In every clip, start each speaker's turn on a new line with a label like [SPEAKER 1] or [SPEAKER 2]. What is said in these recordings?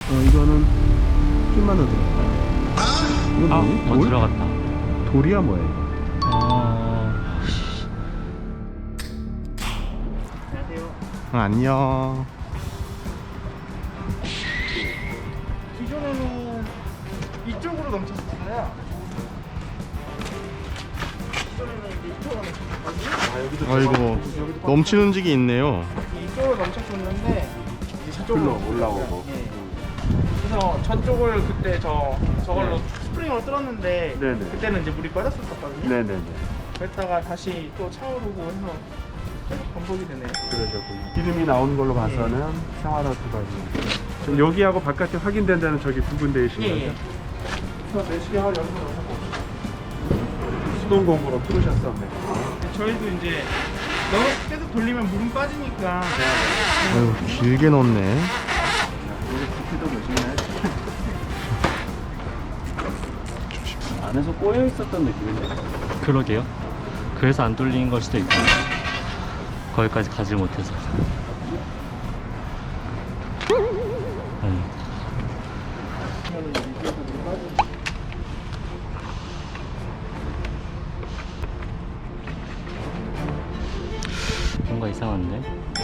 [SPEAKER 1] 이거는 좀만 더 들어가. 이건
[SPEAKER 2] 아,
[SPEAKER 1] 뭐니? 돌?
[SPEAKER 2] 들어갔다.
[SPEAKER 1] 돌이야 뭐야 이거? 안녕.
[SPEAKER 3] 기존에는 이쪽으로 넘쳤었어요. 기존에는 이제 이쪽으로 넘쳤었거든요.
[SPEAKER 1] 아이고 넘치는 적이 있네요.
[SPEAKER 3] 이쪽으로 넘쳤었는데 이제 저쪽으로
[SPEAKER 1] 올라오고.
[SPEAKER 3] 예. 그래서 저쪽을 그때 저걸로 스프링으로 뚫었는데
[SPEAKER 1] 네네.
[SPEAKER 3] 그때는 이제 물이 빠졌었거든요.
[SPEAKER 1] 네네네.
[SPEAKER 3] 그랬다가 다시 또 차오르고 해서 계속 반복이 되네요.
[SPEAKER 4] 그러셨군요. 기름이 나오는 걸로 봐서는 생활화투가 지금 여기하고 바깥에 확인된다는 저기 두 군데이신 거죠?
[SPEAKER 3] 예.
[SPEAKER 4] 그래서 내시경 할 연습을 하고 수동 공구로 풀으셨었네.
[SPEAKER 3] 저희도 이제 너무 계속 돌리면 물은 빠지니까
[SPEAKER 1] 아유 길게 넣네.
[SPEAKER 4] 여기 부피도 보시나요? 안에서 꼬여 있었던 느낌인데?
[SPEAKER 2] 그러게요. 그래서 안 뚫린 걸 수도 있고. 거기까지 가지 못해서. 뭔가 이상한데?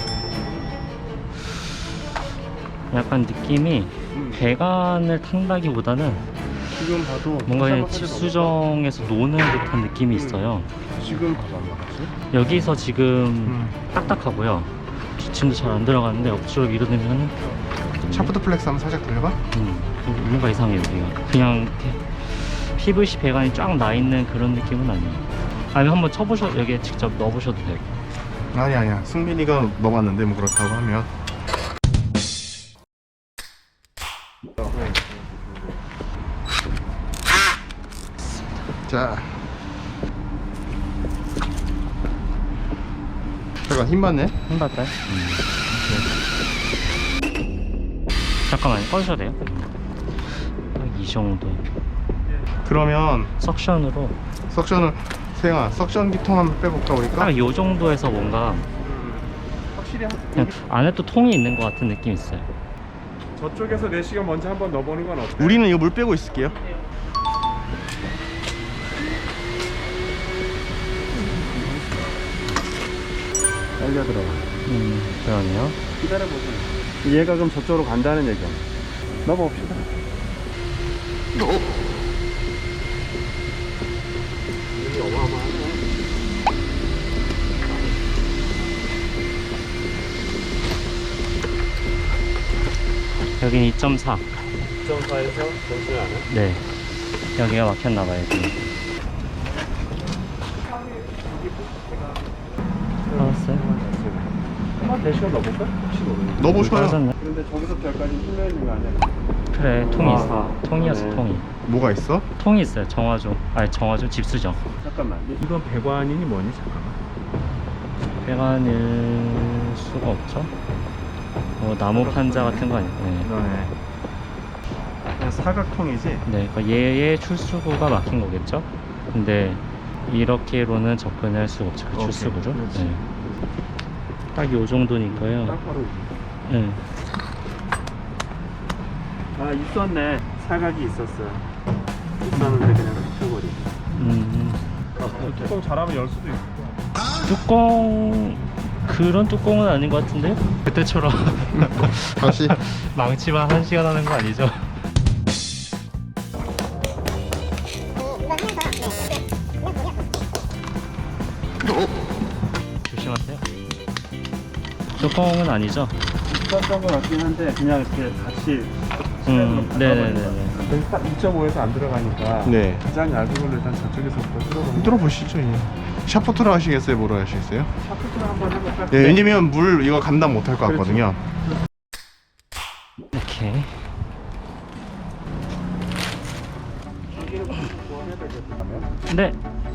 [SPEAKER 2] 약간 느낌이 배관을 탄다기보다는
[SPEAKER 1] 지금 봐도
[SPEAKER 2] 뭔가 그냥 집수정에서 노는 듯한 느낌이 있어요.
[SPEAKER 1] 지금 봐봐 나갔지?
[SPEAKER 2] 여기서 지금 딱딱하고요. 기침도 잘 안 들어가는데 옆으로 밀어내면은
[SPEAKER 1] 샤프트 플렉스 한번 살짝 돌려봐.
[SPEAKER 2] 뭔가 이상해요 여기가. 그냥 이렇게 PVC 배관이 쫙 나 있는 그런 느낌은 아니에요. 아니면 한번 쳐보셔 여기에 직접 넣어보셔도 되고.
[SPEAKER 1] 아니야 승민이가 넣어봤는데 뭐 그렇다고 하면. 자 잠깐 힘 받네.
[SPEAKER 2] 힘 받아요? 잠깐만요. 꺼주셔도 돼요? 딱 이 정도.
[SPEAKER 1] 그러면
[SPEAKER 2] 석션으로
[SPEAKER 1] 석션을 세영아 석션 기통 한번 빼볼까 우리가?
[SPEAKER 2] 딱 이 정도에서 뭔가
[SPEAKER 4] 확실히
[SPEAKER 2] 그냥 안에 또 통이 있는 것 같은 느낌이 있어요.
[SPEAKER 4] 저쪽에서 내시경 먼저 한번 넣어보는 건 어때요?
[SPEAKER 1] 우리는 이거 물 빼고 있을게요.
[SPEAKER 4] 빨려 들어가.
[SPEAKER 2] 그러네요.
[SPEAKER 4] 기다려보세요. 얘가 그럼 저쪽으로 간다는 얘기야. 넣어봅시다. 여기 어마어마하네.
[SPEAKER 2] 여기는 2.4.
[SPEAKER 4] 2.4에서 전술 안 해?
[SPEAKER 2] 네. 여기가 막혔나봐요. 여기. 알았어요.
[SPEAKER 4] 한번 내시경 넣어볼까? 혹시 모르니까.
[SPEAKER 1] 넣어보셔요.
[SPEAKER 2] 빠졌네.
[SPEAKER 4] 근데 저기서부터 여기까지 뚫려 있는 거 아니야?
[SPEAKER 2] 그래, 통이 있어.
[SPEAKER 4] 아하.
[SPEAKER 2] 통이었어,
[SPEAKER 4] 네.
[SPEAKER 2] 통이.
[SPEAKER 1] 뭐가 있어?
[SPEAKER 2] 통이 있어요. 정화조. 아니, 정화조 집수정.
[SPEAKER 4] 잠깐만. 이건 배관이니 뭐니? 잠깐만.
[SPEAKER 2] 배관일 수가 없죠. 뭐 나무 판자 같은 거 아니에요. 네.
[SPEAKER 4] 그러네. 그냥 사각통이지?
[SPEAKER 2] 네, 그러니까 얘의 출수구가 막힌 거겠죠. 근데 이렇게로는 접근할 수가 없죠. 그
[SPEAKER 4] 오케이,
[SPEAKER 2] 출수구로.
[SPEAKER 4] 그렇지.
[SPEAKER 2] 네. 딱 요 정도니까요.
[SPEAKER 4] 딱 바로.
[SPEAKER 2] 네.
[SPEAKER 4] 아, 있었네. 사각이 있었어. 있었는데 그냥 붙여버리고. 뚜껑 잘하면 열 수도 있고.
[SPEAKER 2] 뚜껑 그런 뚜껑은 아닌 것 같은데요? 그때처럼
[SPEAKER 1] 다시
[SPEAKER 2] 망치만 1시간 하는 거 아니죠? 조심하세요. 뚜껑은 아니죠?
[SPEAKER 4] 있었던 것 같긴 한데 그냥 이렇게 같이
[SPEAKER 2] 네네네네.
[SPEAKER 4] 여기 딱 2.5에서 안 들어가니까
[SPEAKER 1] 네
[SPEAKER 4] 가장 얇은 걸로 일단 저쪽에서부터 뚫어보는
[SPEAKER 1] 들어보시죠. 예. 샤프트로 하시겠어요? 뭐로 하시겠어요?
[SPEAKER 4] 샤프트를 한번 해볼까?
[SPEAKER 1] 네, 왜냐면 물 이거 감당 못할 것 같거든요.
[SPEAKER 2] 이렇게 네.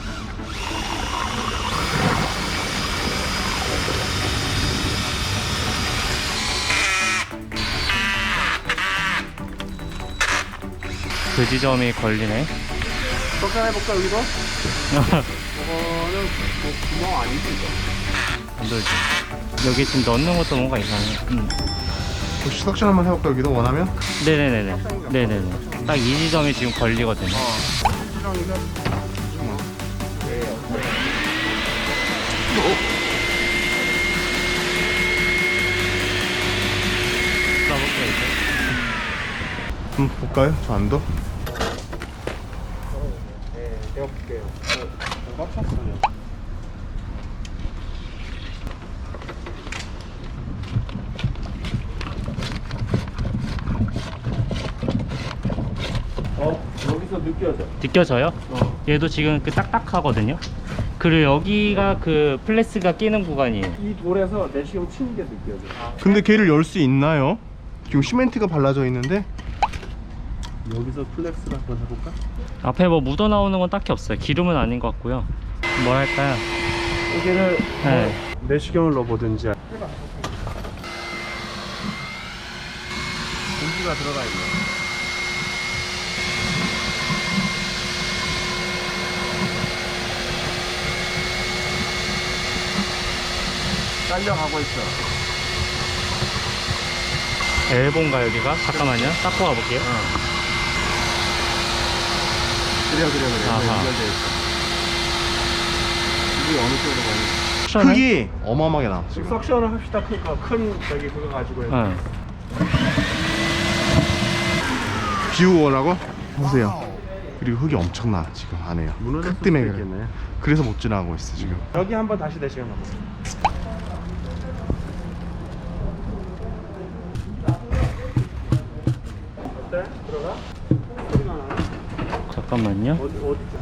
[SPEAKER 2] 그 지점이 걸리네.
[SPEAKER 4] 석션해볼까 여기서? 저거는 뭐 구멍 아니지 이거?
[SPEAKER 2] 안 돌지. 여기 지금 넣는 것도 뭔가 이상해.
[SPEAKER 1] 혹시 석션 한번 해볼까 여기도 원하면?
[SPEAKER 2] 네네네네. 네네네. 딱 이 지점이 지금 걸리거든요. 써볼게요, 이제.
[SPEAKER 1] 한번 볼까요? 저 안도?
[SPEAKER 4] 네, 제가 볼게요. 꽉 찼어요. 여기서 느껴져.
[SPEAKER 2] 느껴져요? 얘도 지금 그 딱딱하거든요. 그리고 여기가 그 플래스가 끼는 구간이에요.
[SPEAKER 4] 이 돌에서 내시경 치는 게 느껴져.
[SPEAKER 1] 근데 걔를 열 수 있나요? 지금 시멘트가 발라져 있는데
[SPEAKER 4] 여기서 플렉스를 한번 해볼까?
[SPEAKER 2] 앞에 뭐 묻어 나오는 건 딱히 없어요. 기름은 아닌 것 같고요. 뭐랄까요?
[SPEAKER 4] 여기를
[SPEAKER 2] 네.
[SPEAKER 4] 내시경을 넣어보든지. 공기가 들어가 있네. 딸려가고 있어.
[SPEAKER 2] 엘본가 여기가? 잠깐만요. 닦고 가볼게요.
[SPEAKER 1] 그래
[SPEAKER 2] 아하.
[SPEAKER 1] 연결돼 있어. 이게 어느 쪽으로 가니?
[SPEAKER 2] 석션은?
[SPEAKER 1] 흙이 어마어마하게 나 지금.
[SPEAKER 4] 석션을 합시다. 큰 저기 그거 가지고 해서.
[SPEAKER 2] 네.
[SPEAKER 1] 비우거라고? 보세요. 그리고 흙이 엄청나 지금 안에요.
[SPEAKER 4] 무너졌을
[SPEAKER 1] 흙 때문에
[SPEAKER 4] 수도
[SPEAKER 1] 그래.
[SPEAKER 4] 있겠네.
[SPEAKER 1] 그래서 못 지나가고 있어 지금.
[SPEAKER 4] 여기 한번 다시 내시경 넣어볼게요. 어때? 들어가? 소리가 나나?
[SPEAKER 2] 잠깐만요.
[SPEAKER 4] 어디죠?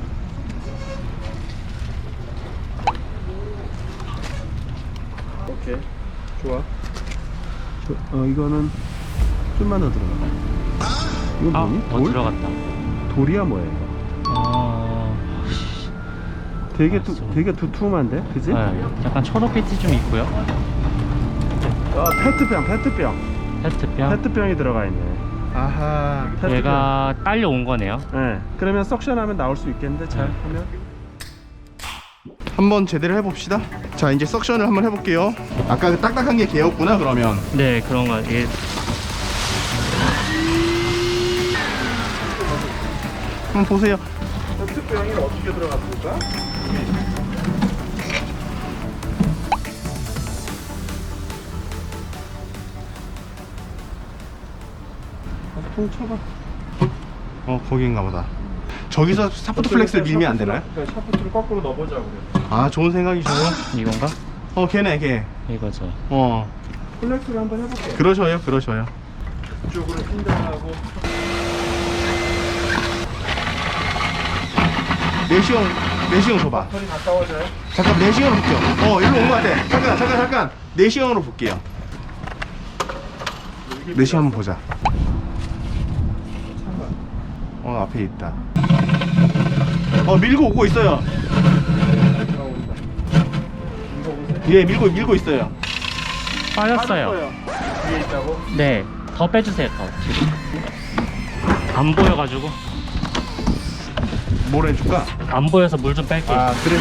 [SPEAKER 4] 오케이, 좋아. 이거는 좀만 더 들어가. 이거
[SPEAKER 2] 아,
[SPEAKER 4] 뭐니?
[SPEAKER 2] 더 들어갔다.
[SPEAKER 4] 돌이야 뭐야 이거?
[SPEAKER 2] 아,
[SPEAKER 4] 되게
[SPEAKER 2] 알았어.
[SPEAKER 4] 되게 두툼한데, 그지?
[SPEAKER 2] 네. 약간 초록빛이 좀 있고요.
[SPEAKER 4] 아, 페트병.
[SPEAKER 2] 페트병.
[SPEAKER 4] 페트병이 들어가 있네.
[SPEAKER 1] 아하.
[SPEAKER 4] 페트병.
[SPEAKER 2] 얘가 딸려온 거네요.
[SPEAKER 4] 네. 그러면 석션하면 나올 수 있겠는데 잘 하면.
[SPEAKER 1] 한번 제대로 해봅시다. 자 이제 석션을 한번 해볼게요. 아까 그 딱딱한 게 걔였구나 그러면.
[SPEAKER 2] 네, 그런 거. 이게
[SPEAKER 1] 한번 보세요.
[SPEAKER 4] 페트병이 어떻게 들어갔을까? 통 쳐봐.
[SPEAKER 1] 거기인가 보다. 저기서 샤프트 플렉스를 밀면 안 되나요?
[SPEAKER 4] 샤프트를 거꾸로 넣어보자 그래.
[SPEAKER 1] 아 좋은 생각이셔요.
[SPEAKER 2] 이건가?
[SPEAKER 1] 걔네 걔.
[SPEAKER 2] 이거죠.
[SPEAKER 4] 플렉스를 한번 해볼게.
[SPEAKER 1] 그러셔요.
[SPEAKER 4] 이쪽으로 핀다하고.
[SPEAKER 1] 내시경 줘봐.
[SPEAKER 4] 털이 가까워져요?
[SPEAKER 1] 잠깐 내시경으로 볼게요. 일로 온 것 같아. 잠깐. 내시경으로 볼게요. 내시경 한번 보자. 앞에 있다. 밀고 오고 있어요. 예, 밀고 있어요.
[SPEAKER 2] 빠졌어요.
[SPEAKER 4] 위에 있다고?
[SPEAKER 2] 네, 더 빼주세요. 더. 지금. 안 보여가지고.
[SPEAKER 1] 뭘 해줄까?
[SPEAKER 2] 안 보여서 물 좀 뺄게요.
[SPEAKER 1] 그래.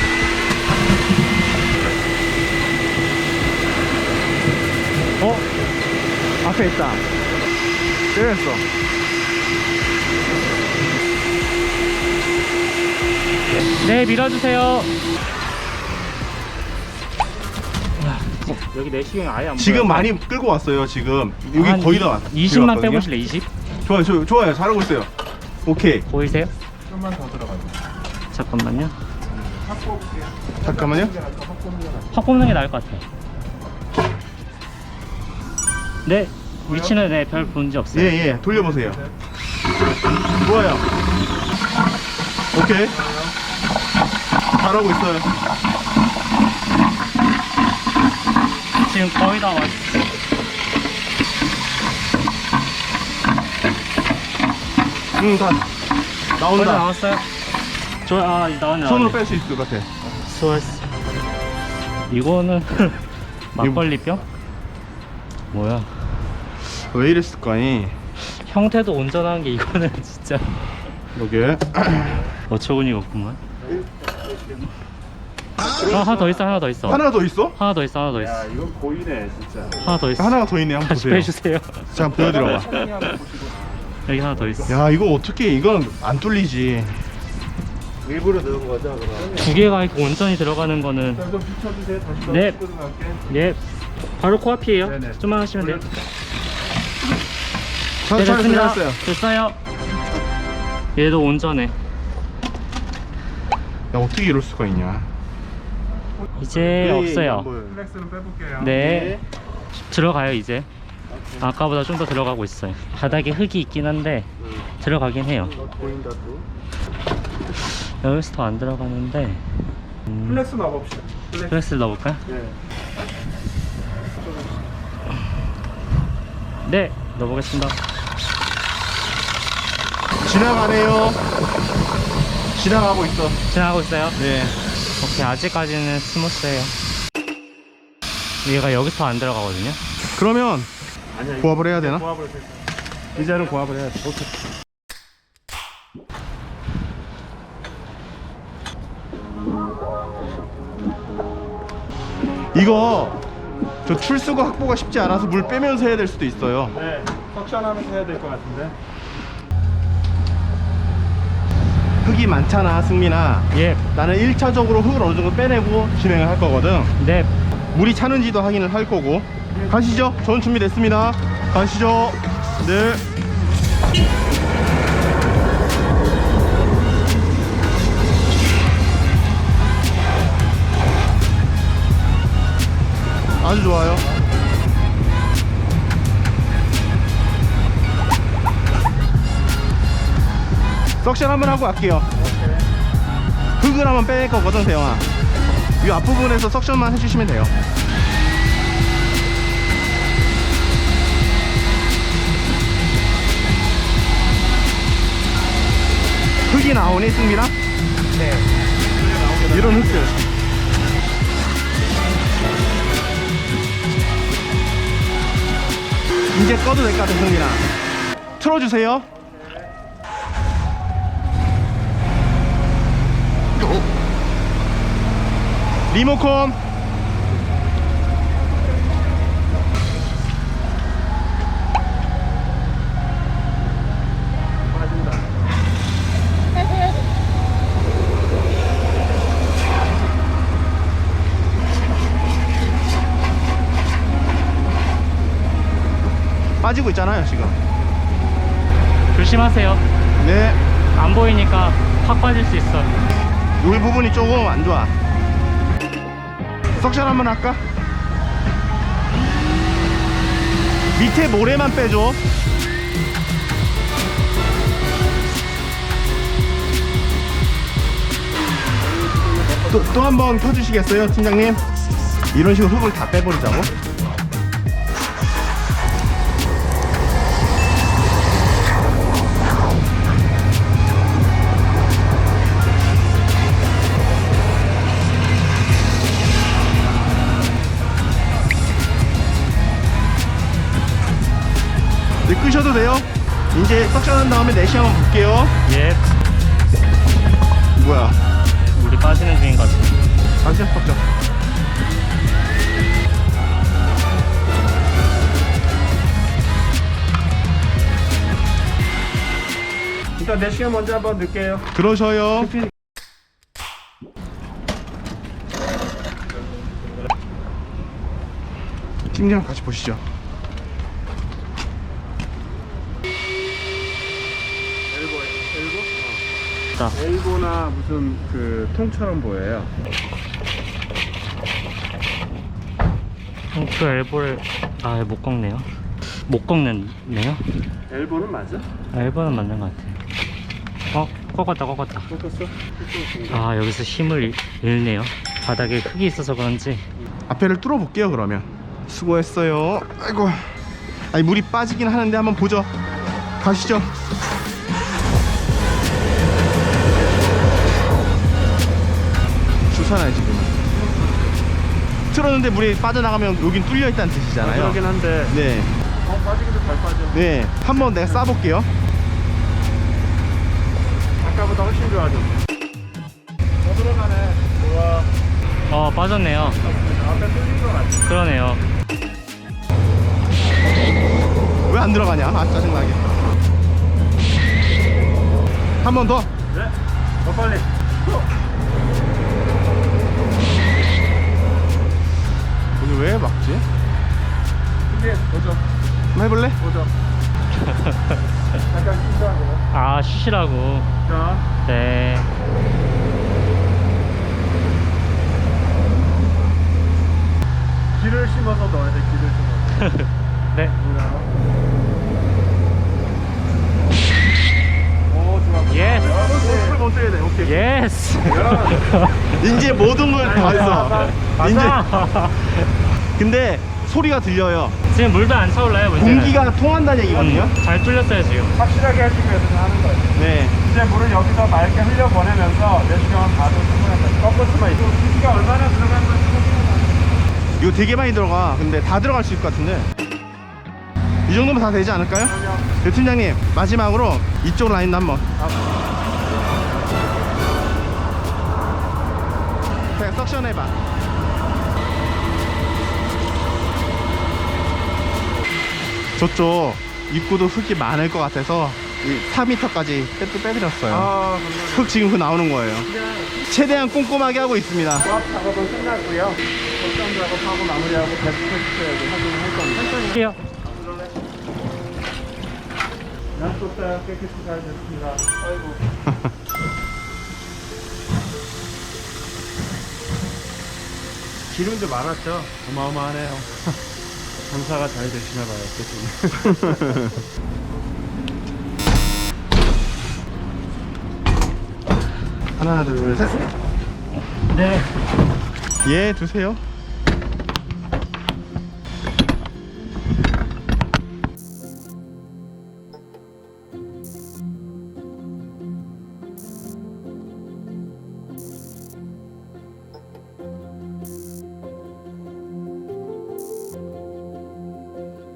[SPEAKER 4] 앞에 있다. 때렸어.
[SPEAKER 2] 네, 밀어주세요. 여기 내시경이 아예 안
[SPEAKER 1] 지금
[SPEAKER 2] 보여서.
[SPEAKER 1] 많이 끌고 왔어요. 지금 여기
[SPEAKER 2] 한
[SPEAKER 1] 거의 다 왔.
[SPEAKER 2] 20만 빼보실래? 20?
[SPEAKER 1] 좋아요. 잘하고 있어요. 오케이.
[SPEAKER 2] 보이세요?
[SPEAKER 4] 좀만 더 들어가요.
[SPEAKER 2] 잠깐만요.
[SPEAKER 1] 잠깐만요.
[SPEAKER 2] 확 뽑는 게 나을 것 같아요. 네, 위치는 네, 별 문제 없어요.
[SPEAKER 1] 예. 돌려보세요. 좋아요. 오케이. 잘하고 있어요.
[SPEAKER 2] 지금 거의 다 왔어요.
[SPEAKER 1] 다
[SPEAKER 2] 거의 다
[SPEAKER 1] 나온다.
[SPEAKER 2] 나왔어요. 나왔네.
[SPEAKER 1] 손으로 뺄 수 있을 것 같아.
[SPEAKER 2] 수고했어. 이거는 막걸리병? 뭐야?
[SPEAKER 1] 왜 이랬을까니?
[SPEAKER 2] 형태도 온전한 게 이거는 진짜
[SPEAKER 1] 여기
[SPEAKER 2] 어처구니가 없구만. 하나 더 있어, 하나 더 있어.
[SPEAKER 1] 하나가 더 있어?
[SPEAKER 2] 하나 더 있어, 하나 더 있어.
[SPEAKER 4] 야, 이건 보이네, 진짜.
[SPEAKER 2] 하나 더 있어.
[SPEAKER 1] 하나가 더 있네. 한번
[SPEAKER 2] 다시
[SPEAKER 1] 보세요.
[SPEAKER 2] 빼주세요.
[SPEAKER 1] 자, 한번 보여드려봐.
[SPEAKER 4] 천천히 한번 보시고.
[SPEAKER 2] 여기 하나 더 있어.
[SPEAKER 1] 야, 이거 어떻게 이건 안 뚫리지.
[SPEAKER 4] 일부러 넣은 거죠, 그럼?
[SPEAKER 2] 두 개가 있고 온전히 들어가는 거는
[SPEAKER 4] 자, 좀 붙여주세요. 다시
[SPEAKER 2] 네.
[SPEAKER 4] 들어갈게.
[SPEAKER 2] 예. 바로 코앞이에요.
[SPEAKER 4] 네네.
[SPEAKER 2] 좀만 하시면 돼요.
[SPEAKER 1] 자,
[SPEAKER 2] 네, 됐습니다.
[SPEAKER 1] 됐어요.
[SPEAKER 2] 됐어요. 얘도 온전해.
[SPEAKER 1] 야, 어떻게 이럴 수가 있냐.
[SPEAKER 2] 이제 없어요.
[SPEAKER 4] 플렉스는 빼볼게요.
[SPEAKER 2] 네. 들어가요 이제. 아까보다 좀 더 들어가고 있어요. 바닥에 흙이 있긴 한데 들어가긴 해요.
[SPEAKER 4] 보인다 또.
[SPEAKER 2] 여기서 더 안 들어가는데
[SPEAKER 4] 플렉스 넣어봅시다.
[SPEAKER 2] 플렉스를 넣어볼까요?
[SPEAKER 4] 네.
[SPEAKER 2] 네, 넣어보겠습니다.
[SPEAKER 1] 지나가네요. 지나가고 있어.
[SPEAKER 2] 지나가고 있어요.
[SPEAKER 1] 네.
[SPEAKER 2] 오케이, 아직까지는 스무스해요. 얘가 여기서 안 들어가거든요.
[SPEAKER 1] 그러면
[SPEAKER 4] 아니야. 이거
[SPEAKER 1] 고압을 해야 되나?
[SPEAKER 4] 고압을 해서. 이제는 고압을 해야 돼. 오케이.
[SPEAKER 1] 이거 저 출수구 확보가 쉽지 않아서 물 빼면서 해야 될 수도 있어요.
[SPEAKER 4] 네. 석션하면서 해야 될 것 같은데.
[SPEAKER 1] 흙이 많잖아, 승민아.
[SPEAKER 2] 예,
[SPEAKER 1] 나는 1차적으로 흙을 어느 정도 빼내고 진행을 할 거거든.
[SPEAKER 2] 네.
[SPEAKER 1] 물이 차는지도 확인을 할 거고. 가시죠. 전 준비됐습니다. 가시죠. 네. 아주 좋아요. 석션 한번 하고 갈게요. 흙을 한번 뺄 거거든, 대영아. 이 앞부분에서 석션만 해주시면 돼요. 흙이 나오니, 승민아? 네. 이런 흙들. 이제 꺼도 될 것 같아, 승민아. 틀어주세요. 리모컨.
[SPEAKER 4] 빠진다.
[SPEAKER 1] 빠지고 있잖아요, 지금.
[SPEAKER 2] 조심하세요.
[SPEAKER 1] 네.
[SPEAKER 2] 안 보이니까 확 빠질 수 있어.
[SPEAKER 1] 요 부분이 조금 안 좋아. 석션 한번 할까? 밑에 모래만 빼줘. 또 한 번 펴주시겠어요, 팀장님? 이런 식으로 흙을 다 빼버리자고. 네, 끄셔도 돼요. 이제 석션한 다음에 내시 한번 볼게요.
[SPEAKER 2] 예.
[SPEAKER 1] 뭐야?
[SPEAKER 2] 물이 빠지는 중인 것 같아요.
[SPEAKER 1] 다시 석션.
[SPEAKER 4] 일단 내시경 먼저 한번 넣을게요.
[SPEAKER 1] 그러셔요. 팀장 같이 보시죠.
[SPEAKER 2] 자,
[SPEAKER 4] 엘보나 무슨 그 통처럼 보여요.
[SPEAKER 2] 그 엘보를 못 꺾네요. 못 꺾네요.
[SPEAKER 4] 엘보는 맞아?
[SPEAKER 2] 엘보는 맞는 것 같아요. 꺾었다.
[SPEAKER 4] 꺾었어?
[SPEAKER 2] 여기서 힘을 잃네요. 바닥에 흙이 있어서 그런지.
[SPEAKER 1] 앞에를 뚫어 볼게요. 그러면 수고했어요. 아이고. 아니 물이 빠지긴 하는데 한번 보죠. 가시죠. 좋잖아요 지금은. 틀었는데 물이 빠져나가면 여긴 뚫려 있다는 뜻이잖아요.
[SPEAKER 4] 그러긴 한데.
[SPEAKER 1] 네.
[SPEAKER 4] 빠지기도 잘 빠져.
[SPEAKER 1] 네. 한번 내가 싸볼게요.
[SPEAKER 4] 아까보다 훨씬 좋아져. 더 들어가네. 좋아.
[SPEAKER 2] 빠졌네요.
[SPEAKER 4] 앞에 뚫린 것 같아요.
[SPEAKER 2] 그러네요.
[SPEAKER 1] 왜 안 들어가냐? 아, 짜증나게. 한 번 더.
[SPEAKER 4] 네. 더 빨리.
[SPEAKER 1] 여기 왜 막지?
[SPEAKER 4] 이게 보죠.
[SPEAKER 1] 한번 해볼래?
[SPEAKER 4] 보죠. 잠깐 쉬자고요.
[SPEAKER 2] 아, 쉬시라고.
[SPEAKER 4] 자,
[SPEAKER 2] 네.
[SPEAKER 4] 기를 심어서 넣어야 돼. 기를 심어서.
[SPEAKER 2] 네.
[SPEAKER 4] 오, 좋아.
[SPEAKER 2] 예스.
[SPEAKER 4] 풀못 써야 돼. 오케이.
[SPEAKER 2] 예스.
[SPEAKER 1] 이제 모든 걸 다 했어. 이제.
[SPEAKER 2] 맞아.
[SPEAKER 1] 근데 소리가 들려요.
[SPEAKER 2] 지금 물도 안 차올라요, 문제는.
[SPEAKER 1] 공기가 통한다는 얘기거든요.
[SPEAKER 2] 잘 뚫렸어요, 지금.
[SPEAKER 4] 확실하게 하시기 위해서 하는 거예요.
[SPEAKER 1] 네.
[SPEAKER 4] 이제 물을 여기서 맑게 흘려보내면서 내시경은 봐도 충분합니다. 꺾을 수만 있고 기가 얼마나 들어간 건지
[SPEAKER 1] 이거 되게 많이 들어가. 근데 다 들어갈 수 있을 것 같은데. 이 정도면 다 되지 않을까요? 네, 팀장님 마지막으로 이쪽 라인도 한번. 그냥 석션 해봐. 저쪽 입구도 흙이 많을 것 같아서 4m까지 빼드렸어요.
[SPEAKER 4] 감사합니다.
[SPEAKER 1] 흙 지금 그 나오는 거예요. 최대한 꼼꼼하게 하고 있습니다.
[SPEAKER 4] 조합 작업은 끝났고요. 결정 작업하고 마무리하고 베스트 확인을 할 겁니다.
[SPEAKER 2] 할게요.
[SPEAKER 4] 양쪽 깨끗이 잘 됐습니다. 아이고. 기름도 많았죠? 어마어마하네요. 장사가 잘 되시나 봐요, 그쪽은.
[SPEAKER 1] 하나 둘 셋.
[SPEAKER 2] 네.
[SPEAKER 1] 예, 두세요.